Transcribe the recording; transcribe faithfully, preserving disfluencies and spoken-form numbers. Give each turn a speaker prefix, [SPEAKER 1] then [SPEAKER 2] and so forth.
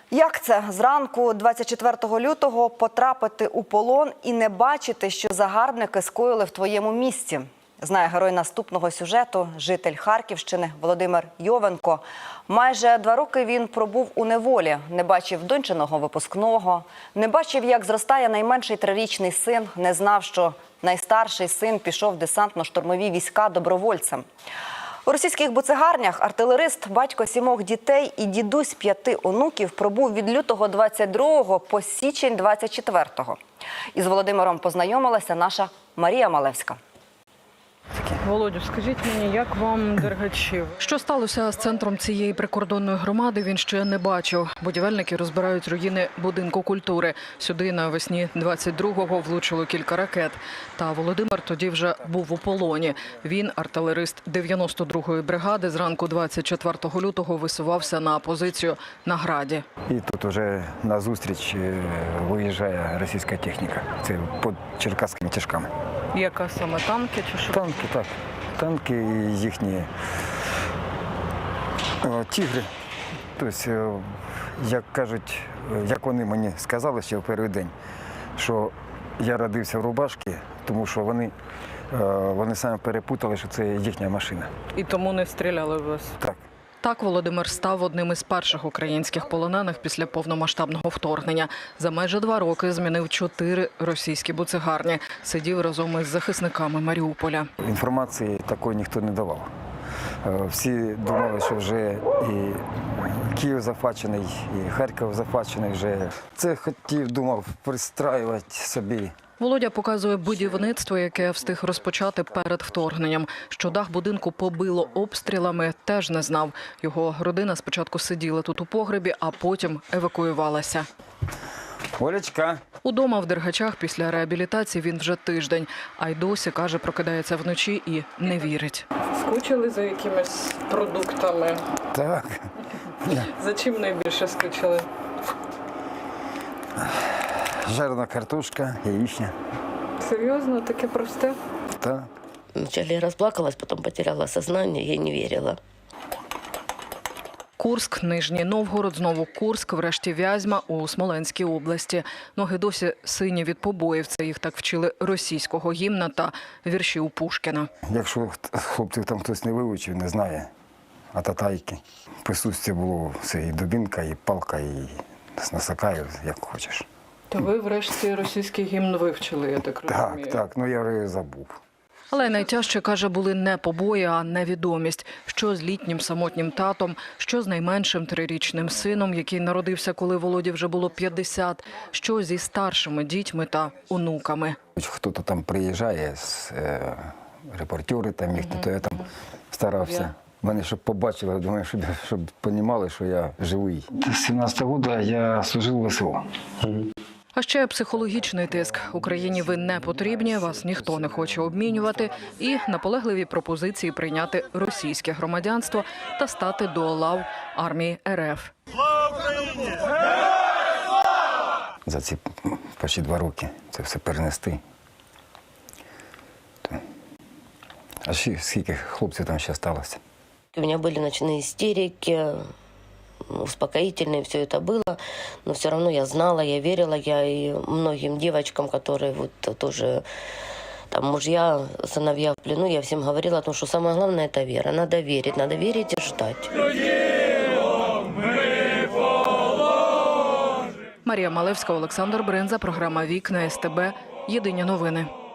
[SPEAKER 1] Як це зранку двадцять четвертого лютого потрапити у полон і не бачити, що загарбники скоїли в твоєму місті? Знає герой наступного сюжету, житель Харківщини Володимир Йовенко. Майже два роки він пробув у неволі, не бачив дончиного випускного, не бачив, як зростає найменший трирічний син, не знав, що найстарший син пішов в десантно-штурмові війська добровольцем. У російських буцегарнях артилерист, батько сімох дітей і дідусь п'яти онуків пробув від лютого двадцять другого по січень двадцять четвертого. Із Володимиром познайомилася наша Марія Малевська.
[SPEAKER 2] Володю, скажіть мені, як вам Дергачів? Що сталося з центром цієї прикордонної громади, він ще не бачив. Будівельники розбирають руїни будинку культури. Сюди навесні двадцять другого влучило кілька ракет. Та Володимир тоді вже був у полоні. Він, артилерист дев'яносто другої бригади, зранку двадцять четвертого лютого висувався на позицію на Граді.
[SPEAKER 3] І тут вже назустріч виїжджає російська техніка. Це під черкаськими тяжками.
[SPEAKER 2] Яка саме, танки чи що?
[SPEAKER 3] Танки, так. Танки і їхні о, тігри. Тобто, як кажуть, як вони мені сказали ще в перший день, що я родився в рубашці, тому що вони, вони самі перепутали, що це їхня машина.
[SPEAKER 2] І тому не стріляли в вас?
[SPEAKER 3] Так.
[SPEAKER 2] Так Володимир став одним із перших українських полонених після повномасштабного вторгнення. За майже два роки змінив чотири російські буцегарні. Сидів разом із захисниками Маріуполя.
[SPEAKER 3] Інформації такої ніхто не давав. Всі думали, що вже і Київ захвачений, і Харків захвачений вже. Це хотів, думав, пристраювати собі.
[SPEAKER 2] Володя показує будівництво, яке встиг розпочати перед вторгненням. Що дах будинку побило обстрілами, теж не знав. Його родина спочатку сиділа тут у погребі, а потім евакуювалася.
[SPEAKER 3] Олечка.
[SPEAKER 2] Удома в Дергачах після реабілітації він вже тиждень. А й досі, каже, прокидається вночі і не вірить. Скучили за якимись продуктами?
[SPEAKER 3] Так.
[SPEAKER 2] За чим найбільше скучили?
[SPEAKER 3] Жарена картошка, яичня.
[SPEAKER 2] Серйозно? Таке просте?
[SPEAKER 3] Так.
[SPEAKER 4] Вначале я расплакалась, потом потеряла сознание, я не верила.
[SPEAKER 2] Курськ, Нижній Новгород, знову Курськ, врешті Вязьма у Смоленській області. Ноги досі сині від побоїв. Це їх так вчили російського гімна та віршів Пушкіна.
[SPEAKER 3] Якщо хлопців там хтось не вивчив, не знає, а татайки. Присутствие було все, і дубінка, і палка, і носака, як хочеш.
[SPEAKER 2] То ви врешті російський гімн вивчили, я так розумію?
[SPEAKER 3] Так, так, ну я вже забув.
[SPEAKER 2] Але найтяжче, каже, були не побої, а невідомість. Що з літнім самотнім татом, що з найменшим трирічним сином, який народився, коли Володі вже було п'ятдесят, що зі старшими дітьми та онуками.
[SPEAKER 3] Хто-то там приїжджає, е, репортери там їхні, то я там старався. Мене, щоб побачили, думаю, щоб, щоб розуміли, що я живий. З сімнадцятого року я служив в ВСО.
[SPEAKER 2] А ще психологічний тиск. Україні ви не потрібні, вас ніхто не хоче обмінювати. І наполегливі пропозиції прийняти російське громадянство та стати до лав армії РФ.
[SPEAKER 5] Слава Україні!
[SPEAKER 3] За ці почти два роки це все перенести. А ще скільки хлопців там ще залишилося?
[SPEAKER 4] У меня были ночные истерики, успокоительные, все это было, но все равно я знала, я верила, я и многим девочкам, которые вот тоже, там, мужья, сыновья в плену, я всем говорила о том, что самое главное – это вера. Надо верить, надо верить и ждать.
[SPEAKER 2] Марія Малевська, Олександр Бринза, програма «Вікна СТБ». Єдині новини.